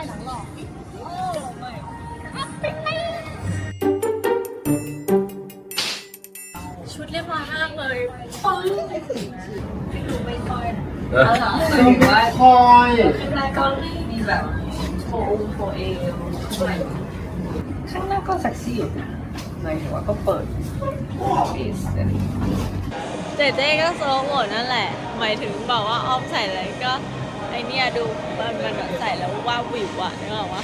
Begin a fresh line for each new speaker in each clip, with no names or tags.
ชุดเรียบร้อยมากเลยไม่ดูไม่ค่อย
คอย
ข้างหน้าก็มีแบบโฟเอลข้างหน้าก็เซ็กซี่อยู่นะหมายถึงว่าก็เปิดเอส
เจเจก็โซโหมดนั่นแหละหมายถึงบอกว่าอ้อมใส่อะไรก็ไอเนี่ยดูมันแบบใส่แล้วว่าวิวอะนึกออกปะ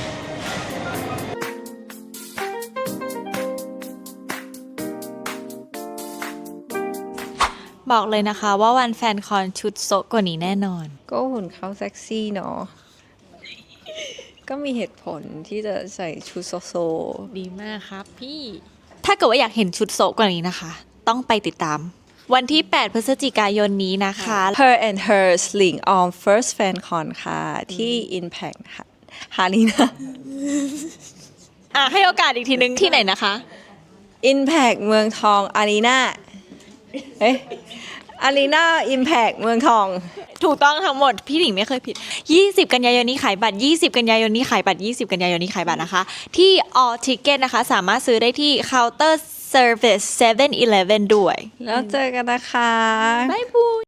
บอกเลยนะคะว่าวันแฟนคอนชุดโซกว่านี้แน่นอน
ก็หุ่นเขาเซ็กซี่เนาะก็มีเหตุผลที่จะใส่ชุดโซ
ดีมากครับพี่ถ้าเกิดว่าอยากเห็นชุดโซกว่านี้นะคะต้องไปติดตามวันที่8พฤศจิกายนนี้นะคะ
Her and Her Sling On First Fan Con ค่ะที่ Impact ฮารีนา
ให้โอกาสอีกทีนึงที่ไหนนะคะ
Impact เมืองทองอารีนาอารีนา Impact เมืองทอง
ถูกต้องทั้งหมดพี่หนิงไม่เคยผิด20กันยายนนี้ขายบัตร20กันยายนนี้ขายบัตร20กันยายนนี้ขายบัตรนะคะที่ All Ticket นะคะสามารถซื้อได้ที่ Counter Service 7-Eleven ด้วย
แล้วเจอกันนะคะ
บ๊ายบาย